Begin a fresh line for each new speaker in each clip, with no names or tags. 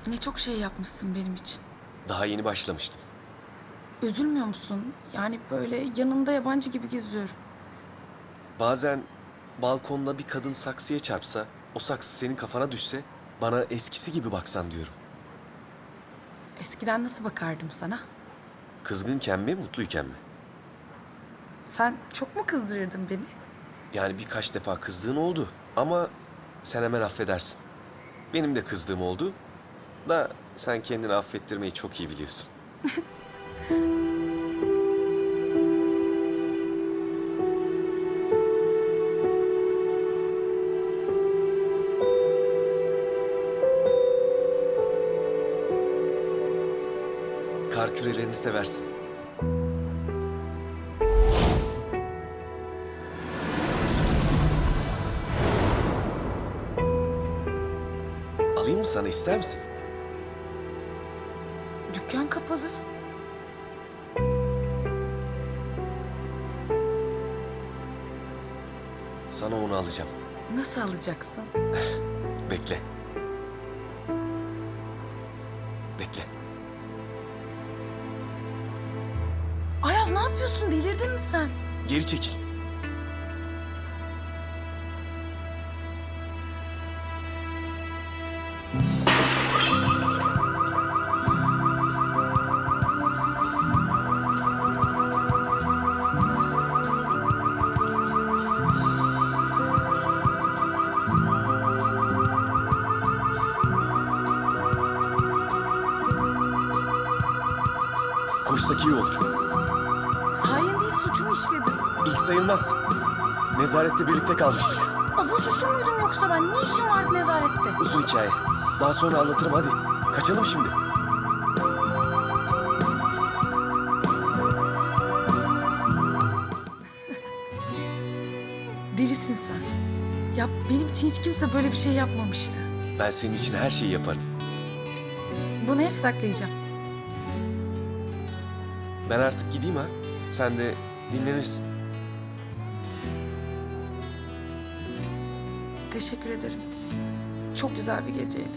Ne çok şey yapmışsın benim için.
Daha yeni başlamıştım.
Üzülmüyor musun? Yani böyle yanında yabancı gibi geziyorum.
Bazen balkonda bir kadın saksıya çarpsa, o saksı senin kafana düşse, bana eskisi gibi baksan diyorum.
Eskiden nasıl bakardım sana?
Kızgınken mi, mutluyken mi?
Sen çok mu kızdırırdın beni?
Yani birkaç defa kızdığın oldu ama sen hemen affedersin. Benim de kızdığım oldu da sen kendini affettirmeyi çok iyi biliyorsun. Kar kürelerini seversin. Alayım mı sana, ister misin?
Dükkan kapalı.
Sana onu alacağım.
Nasıl alacaksın?
Bekle. Bekle.
Ayaz ne yapıyorsun? Delirdin mi sen?
Geri çekil. Koşsak iyi olur.
Sayende suçumu işledim.
İlk sayılmaz. Nezarette birlikte kalmıştık.
Azıl suçlu muydum yoksa ben? Ne işim vardı nezarette?
Uzun hikaye. Daha sonra anlatırım, hadi. Kaçalım şimdi.
Delisin sen. Ya benim için hiç kimse böyle bir şey yapmamıştı.
Ben senin için her şeyi yaparım.
Bunu hep saklayacağım.
Ben artık gideyim ha. Sen de dinlenirsin.
Teşekkür ederim. Çok güzel bir geceydi.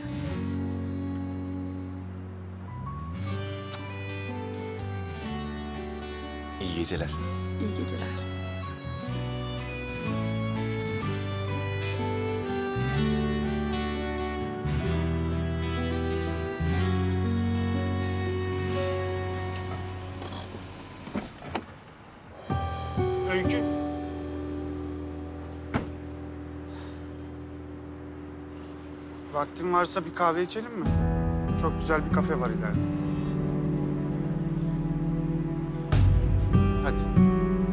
İyi geceler.
İyi geceler.
Öykü. Vaktin varsa bir kahve içelim mi? Çok güzel bir kafe var ileride. Hadi.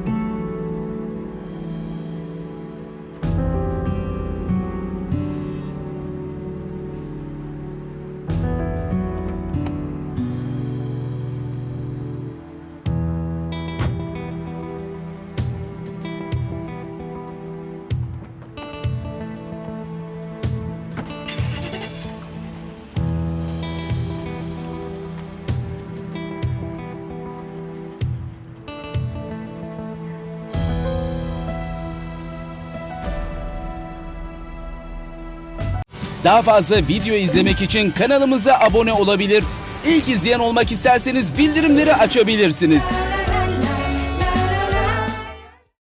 Daha fazla video izlemek için kanalımıza abone olabilir. İlk izleyen olmak isterseniz bildirimleri açabilirsiniz.